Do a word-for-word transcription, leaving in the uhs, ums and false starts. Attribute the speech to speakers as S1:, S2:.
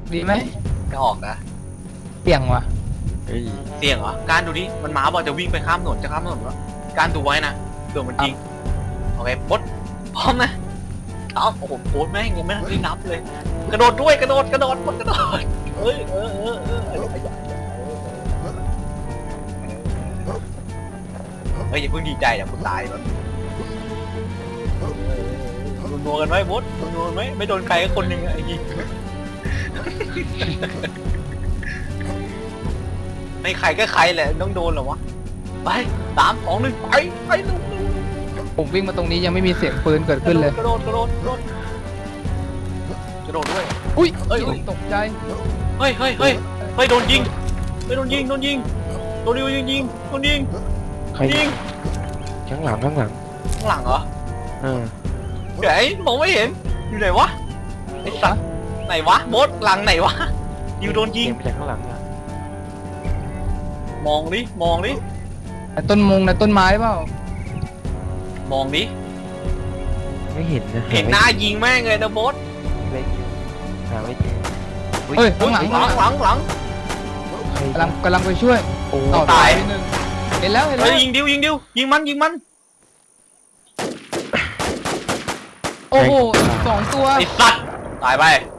S1: ดีไหม
S2: จะออกนะ
S1: เสี่ยงว่ะ
S2: เสี่ยงเหรอการดูดิมันหมาบอกจะวิ่งไปข้ามถนนจะข้ามถนนแล้วการดูไว้นะเดี๋ยวมันจริงโอเคบดพร้อมนะเอ้าโอ้โหโคตรแม่งยังไม่ได้นับเลยกระโดดด้วยกระโดดกระโดดกระโดดเอ้ยเออเออเออเฮ้ยอย่าเพิ่งดีใจเดี๋ยวคุณตายก่อนนัวกันไหมบดนัวกันไหมไม่โดนใครก็คนหนึ่งไอ้ยี่ไม่ใครก็ใครแหละต้องโดนเหรอวะไปสามสองหนึ่งไปไปลุก
S1: ผมวิ่งมาตรงนี้ยังไม่มีเสียงปืนเกิดขึ้นเลย
S2: กระโดดกระโดดกระโดดกระโดดด้วย
S1: อุ้ย
S2: เฮ้ย
S1: ตกใจ
S2: เฮ้ยเฮ้ยเฮ้ยเฮ้ยโดนยิงเฮ้ยโดนยิงโดนยิงโดนยิงยิงโดนยิง
S3: ใคร
S2: ยิง
S3: ข้างหลังข้างหลัง
S2: ข้างหลังเหรอ
S3: เออ
S2: เดี๋ยวไอ้มองไม่เห็นอยู่ไหนวะไอ้สัตว์ไหนวะบดหลังไหนวะอยู่โดนยิง
S3: มาจากข้างหลังอ่ะ
S2: มองดิมองดิ
S1: ต้นมงนะต้นไม้เปล่า
S2: มองดิ
S3: ไม่เห็นนะ
S2: เห็นหน้ายิงแม่งเลยนะบด
S3: ไม่หาไม่เจอ
S1: เฮ้ยข้างหลัง
S2: หลังหลังหลัง
S1: กำลังกำลังไปช่วย
S3: โอ้
S2: ตาย
S1: หนึ่งเห็นแล้วเห็นแล้ว
S2: ยิงดิวยิงดิวยิงมันยิงมัน
S1: โอ้โหสองตัว
S2: ไอ้สัตว์ตายไป